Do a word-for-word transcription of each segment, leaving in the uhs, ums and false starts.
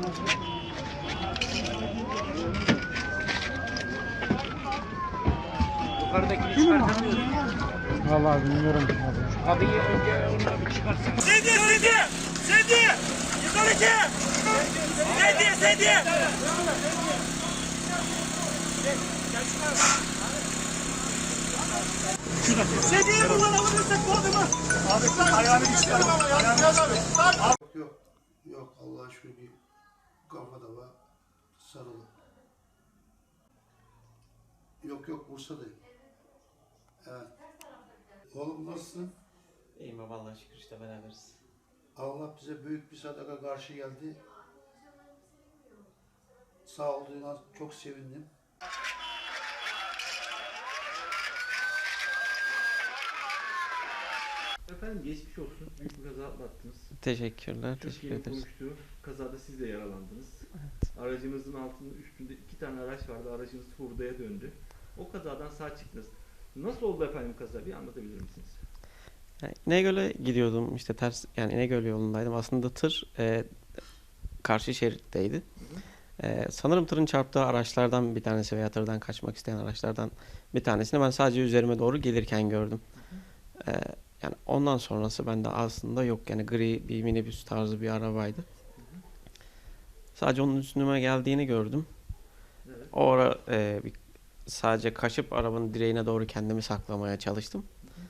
Yukarıdakini çıkartamıyoruz. Vallahi bilmiyorum. Kadıyı önce onunla bir çıkarsın. Sedye, sedye! Sedye! Yukarı ki! Sedye, sedye! Sedyeyi buradan alırsak bu adamı! Abi ayağını bir çıkarım. Yok yok. Yok Allah'a şükür bir kafada var. Sarılı. Yok yok Bursa'dayım. Evet. Oğlum nasılsın? İyiyim baba Allah'a şükür işte beraberiz. Allah bize büyük bir sadaka karşı geldi. Sağ olduğuna çok sevindim. Efendim geçmiş olsun. Büyük bir kaza atlattınız. Teşekkürler, teşekkür Türkiye'nin ederiz. konuştuğu kazada siz de yaralandınız. Evet. Aracınızın altında üstünde iki tane araç vardı. Aracınız hurdaya döndü. O kazadan sağ çıktınız. Nasıl oldu efendim kaza? Bir anlatabilir misiniz? Yani İnegöl'e gidiyordum işte ters yani İnegöl yolundaydım. Aslında tır e, karşı şeritteydi. E, sanırım tırın çarptığı araçlardan bir tanesi veya tırdan kaçmak isteyen araçlardan bir tanesini ben sadece üzerime doğru gelirken gördüm. E, yani ondan sonrası bende aslında yok. Yani gri bir minibüs tarzı bir arabaydı. Sadece onun üstüme geldiğini gördüm. Evet. O ara e, bir, sadece kaçıp arabanın direğine doğru kendimi saklamaya çalıştım.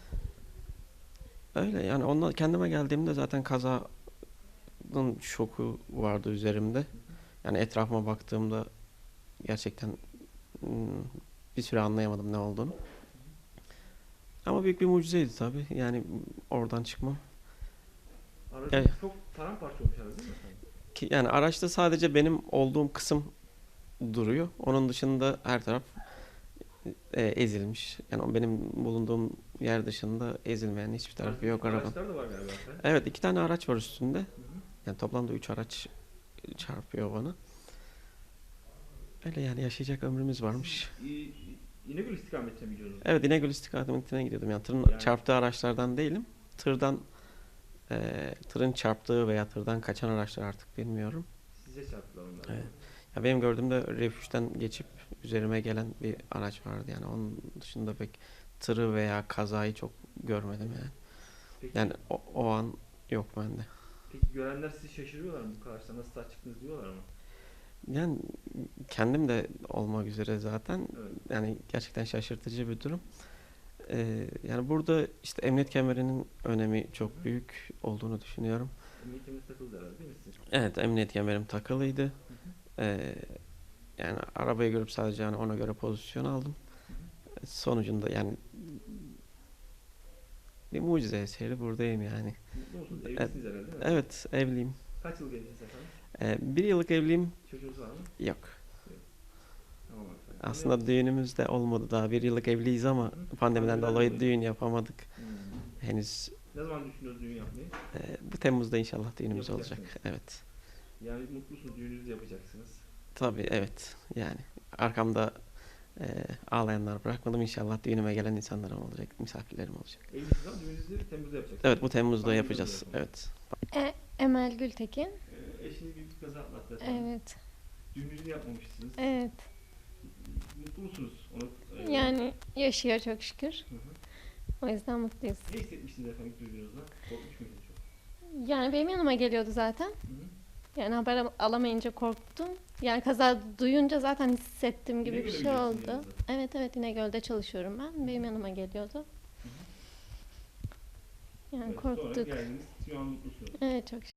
Öyle yani ondan kendime geldiğimde zaten kazanın şoku vardı üzerimde. Yani etrafıma baktığımda gerçekten hmm, bir süre anlayamadım ne olduğunu. Ama büyük bir mucizeydi tabii. Yani oradan çıkmam. Aracınız Evet. çok paramparça olmuş herhalde değil mi efendim? Ki, yani araçta sadece benim olduğum kısım duruyor. Onun dışında her taraf e, ezilmiş. Yani o benim bulunduğum yer dışında ezilmeyen hiçbir tarafı yok arabanın. Araçlar da var galiba efendim. Evet, iki tane araç var üstünde. Hı hı. Yani toplamda üç araç çarpıyor bana. Öyle yani yaşayacak ömrümüz varmış. İ- İnegöl istikametine mi gidiyordunuz? Evet, İnegöl istikametine gidiyordum. Yani tırın Yani- çarptığı araçlardan değilim. Tırdan e, tırın çarptığı veya tırdan kaçan araçlar artık bilmiyorum. Size çarptılar onlar. Evet. Ya benim gördüğümde refüjden geçip üzerime gelen bir araç vardı. Yani onun dışında pek tırı veya kazayı çok görmedim yani. Peki, Yani o, o an yok bende. peki görenler sizi şaşırıyorlar mı bu karşıda? Nasıl sağ çıktınız diyorlar mı? Yani kendim de olmak üzere zaten Evet. yani gerçekten şaşırtıcı bir durum. Ee, yani burada işte emniyet kemerinin önemi çok büyük olduğunu düşünüyorum. Emniyetimiz takıldı herhalde değil mi siz? Evet, emniyet kemerim takılıydı. Ee, yani arabayı görüp sadece yani ona göre pozisyon aldım. Sonucunda yani bir mucize eseri buradayım yani. Mutlu musunuz? Evlisiniz herhalde değil mi? Evet, evliyim. Kaç yıl evlisiniz efendim? Ee, bir yıllık evliyim. Çocuğunuz var mı? Yok. Tamam efendim. Aslında düğünümüz de olmadı daha. Bir yıllık evliyiz ama pandemiden Pandemiden dolayı dolayı. düğün yapamadık. Hmm. Henüz Ne zaman düşünüyoruz düğün yapmayı? e, bu Temmuz'da inşallah düğünümüz olacak. Yapacaksınız. Evet. Yani mutlusunuz, düğününüzü yapacaksınız. Tabii evet. Yani arkamda e, ağlayanlar bırakmadım. İnşallah düğünüme gelen insanlarım olacak, misafirlerim olacak. Evlisiniz ama düğününüzü Temmuz'da yapacaksınız. Evet, bu Temmuz'da Pandemiden yapacağız. dolayı. Evet. E, Emel Gültekin. Ee, eşiniz büyük bir kaza atlattı efendim. Evet. Düğününüzü yapmamışsınız. Evet. Mutlu musunuz? Onu, e, Yani yaşıyor çok şükür. Hı hı. O yüzden mutluyuz. Ne hissetmiştiniz efendim duyduğunuzda? Korkmuş muydunuz çok? Yani benim yanıma geliyordu zaten. Hı hı. Yani haber alamayınca korktum. Yani kaza duyunca zaten hissettim gibi bir İnegöl'e şey mi oldu. gidiyorsunuz Evet evet İnegöl'de çalışıyorum ben. Benim yanıma geliyordu. Yani Evet, sonra korktuk. geldiniz, şu an mutlusunuz. Evet çok